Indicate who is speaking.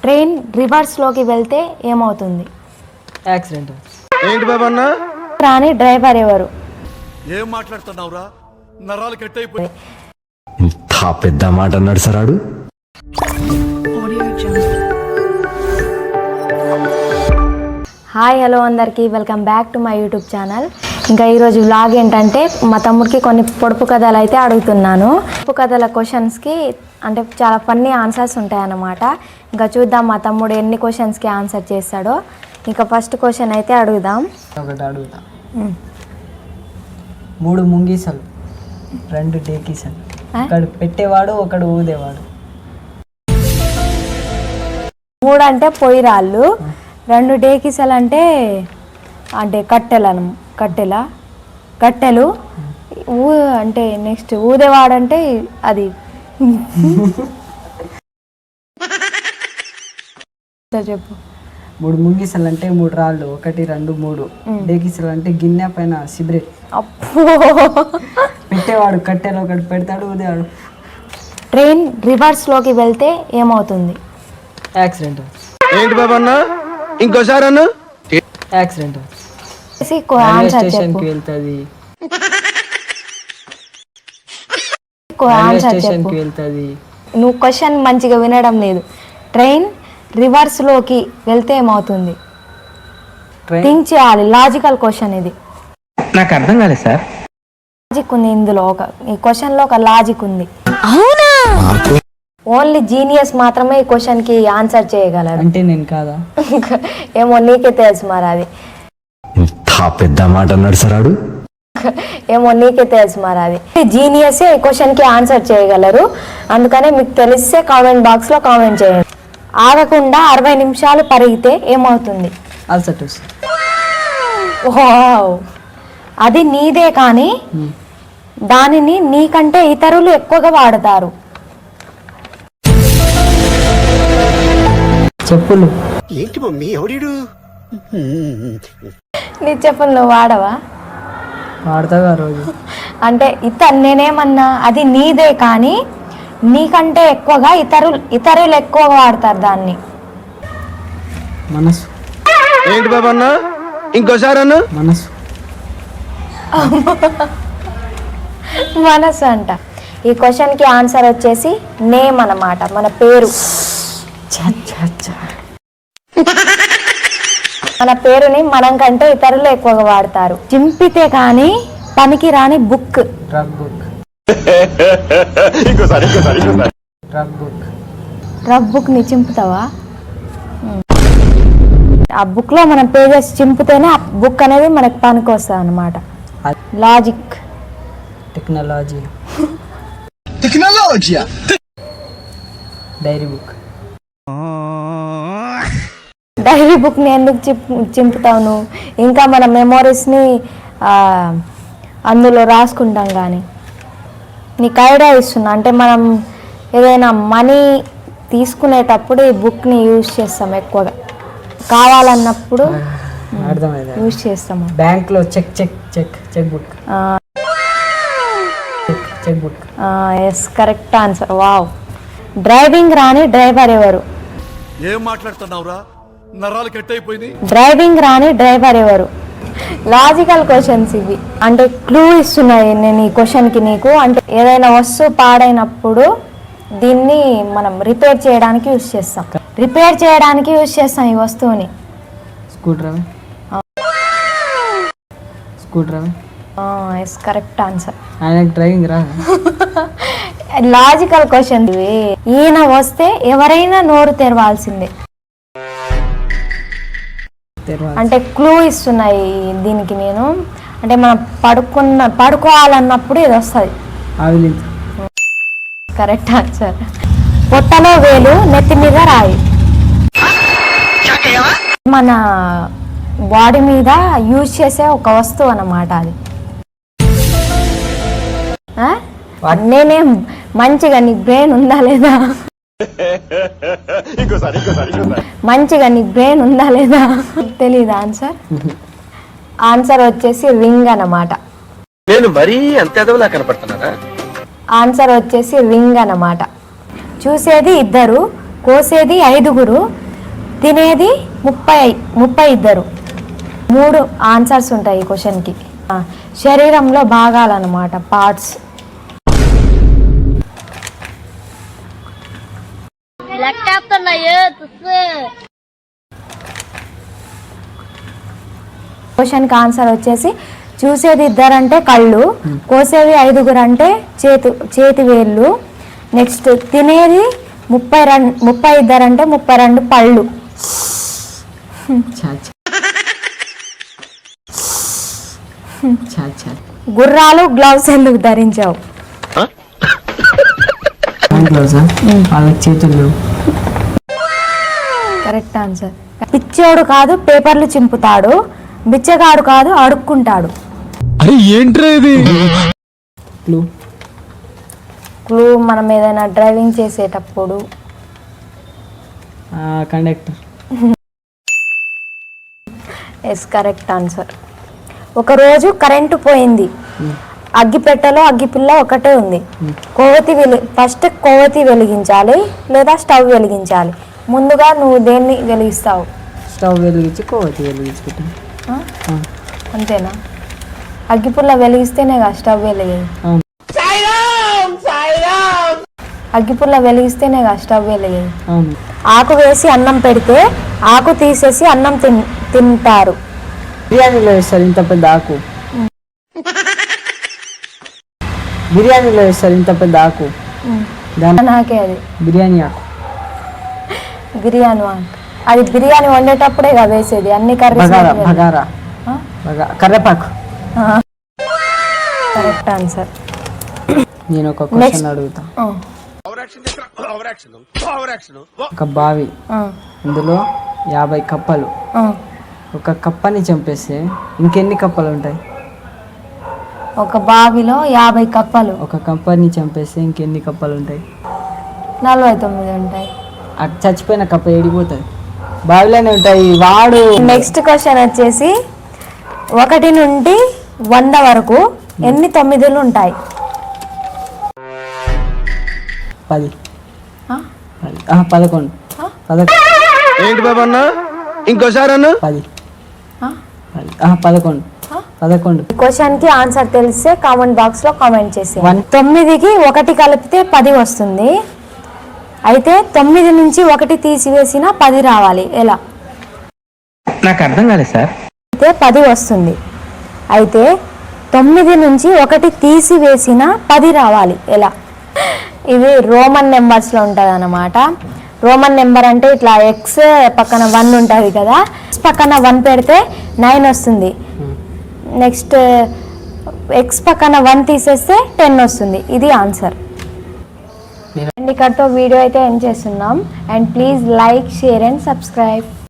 Speaker 1: Train రివర్స్లోకి వెళ్తే ఏమవుతుంది?
Speaker 2: Accident.
Speaker 3: ఏంటి బాబన్న?
Speaker 1: రాని డ్రైవర్ ఎవరు?
Speaker 4: ఏం మాట్లాడుతున్నావురా? నరాలు కట్ అయిపోయి.
Speaker 5: ఇంత పెద్ద మాట అన్నాడు సరాడు.
Speaker 1: హాయ్ హలో అందరికీ welcome back to my YouTube channel. ఇంకా ఈరోజు వ్లాగ్ ఏంటంటే మా తమ్ముడికి కొన్ని పొడుపు కథలు అయితే అడుగుతున్నాను. పొడుపు కథల క్వశ్చన్స్కి అంటే చాలా ఫన్నీ ఆన్సర్స్ ఉంటాయన్నమాట. ఇంకా చూద్దాం మా తమ్ముడు ఎన్ని క్వశ్చన్స్కి ఆన్సర్ చేస్తాడో. ఇంకా ఫస్ట్ క్వశ్చన్ అయితే అడుగుదాం.
Speaker 2: ఒకటి అడుగుతా. 3 ముంగీసలు 2 డేకీసలు, ఒకడు పెట్టేవాడు ఒకడు ఊదేవాడు.
Speaker 1: 3 అంటే పొయ్యి రాళ్ళు, 2 డేకిసలు అంటే కట్టెలు అంటే నెక్స్ట్ ఊదేవాడంటే అది చెప్పు.
Speaker 2: 3 ముంగీసలు అంటే 3 రాళ్ళు, 1 2 3. డేకీసలు అంటే గిన్నె పైన సిగరెట్.
Speaker 1: అప్పో.
Speaker 2: పెట్టేవాడు కట్టెలు, ఒకటి పెడతాడు ఊదేవాడు.
Speaker 1: ట్రైన్ రివర్స్లోకి వెళ్తే ఏమవుతుంది?
Speaker 2: యాక్సిడెంట్.
Speaker 3: ఏంటి బాబన్న? ఇంకోసారి అన్న.
Speaker 2: యాక్సిడెంట్.
Speaker 1: ఆన్సర్
Speaker 2: స్టేషన్కి
Speaker 1: చెప్పు.
Speaker 2: వెళ్తుంది.
Speaker 1: ఆన్సర్
Speaker 2: స్టేషన్కి
Speaker 1: చెప్పు.
Speaker 2: వెళ్తుంది.
Speaker 1: నువ్వు క్వశ్చన్ మంచిగా వినడం లేదు. ట్రైన్ రివర్స్లోకి వెళ్తే ఏమవుతుంది? థింక్ చేయాలి. లాజికల్ క్వశ్చన్ ఇది.
Speaker 5: నాకు అర్థం కాలేదు సార్.
Speaker 1: లాజిక్ ఉంది ఇందులో, ఈ క్వశ్చన్లో ఒక లాజిక్ ఉంది. అవునా? ఓన్లీ జీనియస్ మాత్రమే ఈ క్వశ్చన్కి ఆన్సర్ చేయగలరు.
Speaker 2: అంటే నేను కాదా?
Speaker 1: ఏమో నీకే తెలుసు మరి అది.
Speaker 5: ఇంత పెద్ద మాట అన్నాడు సరాడు.
Speaker 1: ఏమో నీకే తెలుసు మరి అది. జీనియసే ఈ క్వశ్చన్కి ఆన్సర్ చేయగలరు. అందుకనే మీకు తెలిస్తే కామెంట్ బాక్స్లో కామెంట్ చేయండి. ఆగకుండా 60 నిమిషాలు పరిగితే ఏమవుతుంది?
Speaker 2: అల్సటస్.
Speaker 1: వావ్. అది నీదే కానీ దానిని నీకంటే ఇతరులు ఎక్కువగా వాడతారు.
Speaker 2: చెప్పులు.
Speaker 3: ఏంటి మమ్మీ ఎవడీడు?
Speaker 1: నీ చెప్పులు నువ్వు వాడవా?
Speaker 2: వాడతావా రోజు?
Speaker 1: అంటే నేనేమన్నా అది నీదే కానీ నీకంటే ఎక్కువగా ఇతరులు ఎక్కువగా వాడతారు దాన్ని.
Speaker 2: మనసు.
Speaker 3: ఏంటి బాబన్న? ఇంకోసారి అన్న.
Speaker 2: మనసు.
Speaker 1: మనసు అంట. ఈ క్వశ్చన్కి ఆన్సర్ వచ్చేసి నేమ్ అన్నమాట, మన పేరు. మన పేరుని మనం కంటే ఇతరులు ఎక్కువగా వాడతారు. చింపితే కానీ పనికి రాని book.
Speaker 2: Rough book. Rough book.
Speaker 1: Rough book ని చింపుతావా? ఆ బుక్ లో మన పేజెస్ చింపితేనే ఆ బుక్ అనేది మనకు పనికి వస్తుంది అన్నమాట. Logic.
Speaker 2: Technology. Diary book.
Speaker 1: Diary book ని ఎందుకు చింపుతావు నువ్వు? ఇంకా మన మెమోరీస్ ని అందులో రాసుకుంటాం. కానీ నీకు ఐడియా ఇస్తున్నా, అంటే మనం ఏదైనా మనీ తీసుకునేటప్పుడు ఈ బుక్ని యూజ్ చేస్తాం ఎక్కువగా, కావాలన్నప్పుడు యూజ్ చేస్తాము.
Speaker 2: బ్యాంక్లో cheque book. Cheque book.
Speaker 1: Yes, correct answer. Wow. Driving రాని డ్రైవర్ ఎవరు?
Speaker 4: ఏం మాట్లాడుతున్నావురా? నరాలు కట్ అయిపోయింది.
Speaker 1: డ్రైవింగ్ రాని డ్రైవర్ ఎవరు? లాజికల్ క్వశ్చన్స్ ఇవి. అంటే క్లూ ఇస్తున్నాయి నేను ఈ క్వశ్చన్కి నీకు. అంటే ఏదైనా వస్తువు పాడైనప్పుడు దీన్ని మనం రిపేర్ చేయడానికి యూజ్ చేస్తాం. ఈ వస్తువుని.
Speaker 2: Screwdriver.
Speaker 1: Yes, correct answer.
Speaker 2: ఆయనకు డ్రైవింగ్ రా.
Speaker 1: లాజికల్ క్వశ్చన్ ఇవి. ఈయన వస్తే ఎవరైనా నోరు తెరవాల్సిందే. అంటే క్లూ ఇస్తున్నాయి దీనికి నేను. అంటే మనం పడుకోవాలన్నప్పుడు ఇది వస్తుంది. Correct answer. పొట్టలో వేలు, నెత్తి మీద రాయి. మన బాడీ మీద యూజ్ చేసే ఒక వస్తువు అన్నమాట అది. నేనేం మంచిగా నీ బ్రెయిన్ ఉందా లేదా? తెలీదు ఆన్సర్. ఆన్సర్ వచ్చేసి రింగ్ అన్నమాట.
Speaker 3: నేను మరీ అంత ఎదవలా కనపడుతున్నారా?
Speaker 1: ఆన్సర్ వచ్చేసి రింగ్ అన్నమాట. చూసేది ఇద్దరు, కోసేది 5, తినేది 32. 3 ఆన్సర్స్ ఉంటాయి ఈ క్వశ్చన్కి. శరీరంలో భాగాలన్నమాట, పార్ట్స్. క్వశ్చన్కి ఆన్సర్ వచ్చేసి చూసేది 2 అంటే కళ్ళు, కోసేది 5 అంటే చేతి వేళ్ళు, నెక్స్ట్ తినేది 32 అంటే 32 పళ్ళు.
Speaker 2: చా చా. చా చా.
Speaker 1: గుర్రాలు గ్లౌస్ ఎందుకు ధరించావు?
Speaker 2: గ్లౌజా? వాళ్ళకి చేతులు లేవు.
Speaker 1: Correct answer. పిచ్చోడు కాదు పేపర్లు చింపుతాడు, బిచ్చగాడు కాదు అడుక్కుంటాడు.
Speaker 5: అరే ఏంట్రా ఇది?
Speaker 1: క్లూ మనం ఏదైనా డ్రైవింగ్ చేసేటప్పుడు.
Speaker 2: కండక్టర్.
Speaker 1: Yes, correct answer. ఒకరోజు కరెంటు పోయింది, అగ్గిపెట్టెలో అగ్గిపిల్ల ఒకటే ఉంది. ఫస్ట్ కొవ్వొత్తి వెలిగించాలి లేదా స్టవ్ వెలిగించాలి? ముందుగా నువ్వు దేన్ని వెలిగిస్తావు?
Speaker 2: స్టవ్ వెలిగించి కొవ్వొత్తి వెలిగించుకుంటాం.
Speaker 1: అంతేనా? అగ్గిపుల్ల వెలిగిస్తేనే కదా స్టవ్ వెలిగేది.
Speaker 2: అవును.
Speaker 1: అగ్గిపుల్ల వెలిగిస్తేనే కదా స్టవ్ వెలిగేది.
Speaker 2: అవును.
Speaker 1: ఆకు వేసి అన్నం పెడితే ఆకు తీసేసి అన్నం తింటారు.
Speaker 2: బిర్యానీలో వేస్తారు ఇంత పెద్ద ఆకు. బిర్యానీలో వేస్తారు ఇంత పెద్ద ఆకు.
Speaker 1: నాకే అది
Speaker 2: బిర్యానీ ఆకు.
Speaker 1: బిర్యానీ అది బిర్యానీ వండేటప్పుడే కదా వేసేది, అన్ని
Speaker 2: బగారా. కర్రేపాకు.
Speaker 1: Correct answer.
Speaker 2: నేను ఒక క్వశ్చన్ అడుగుతా. ఒక బావి, అందులో 50 కప్పలు. ఒక కప్పని చంపేస్తే ఇంకెన్ని కప్పలు ఉంటాయి?
Speaker 1: ఒక బావిలో 50 కప్పలు.
Speaker 2: ఒక కప్పని చంపేస్తే ఇంకెన్ని కప్పలు ఉంటాయి?
Speaker 1: 49 ఉంటాయి.
Speaker 2: అటు చచ్చిపోయిన కప్ప ఏడిపోతుంది? బావిలోనే ఉంటాయి. వాడు.
Speaker 1: నెక్స్ట్ క్వశ్చన్ వచ్చేసి 1 నుండి 100 వరకు ఎన్ని 9లు ఉంటాయి?
Speaker 2: 10. 11. 11.
Speaker 3: ఏంటి బాబు అన్న ఇంకోసారి అన్న
Speaker 2: 10. 11. 11.
Speaker 1: క్వశ్చన్ కి ఆన్సర్ తెలిస్తే కామెంట్ బాక్స్ లో కామెంట్ చేసి. 9కి 1 కలిపితే 10 వస్తుంది. అయితే 9 నుంచి 1 తీసివేసిన 10 రావాలి. ఎలా?
Speaker 5: నాకు అర్థం కాలేదు సార్.
Speaker 1: అయితే 10 వస్తుంది. అయితే 9 నుంచి 1 తీసివేసిన 10 రావాలి. ఎలా? ఇవి రోమన్ నెంబర్స్లో ఉంటుంది అన్నమాట. రోమన్ నెంబర్ అంటే ఇట్లా ఎక్స్ పక్కన 1 ఉంటుంది కదా, ఎక్స్ పక్కన 1 పెడితే 9 వస్తుంది. నెక్స్ట్ ఎక్స్ పక్కన 1 తీసేస్తే 10 వస్తుంది. ఇది ఆన్సర్. అండ్ ఇక్కడతో వీడియో అయితే ఎండ్ చేస్తున్నాం. And please like, share and subscribe.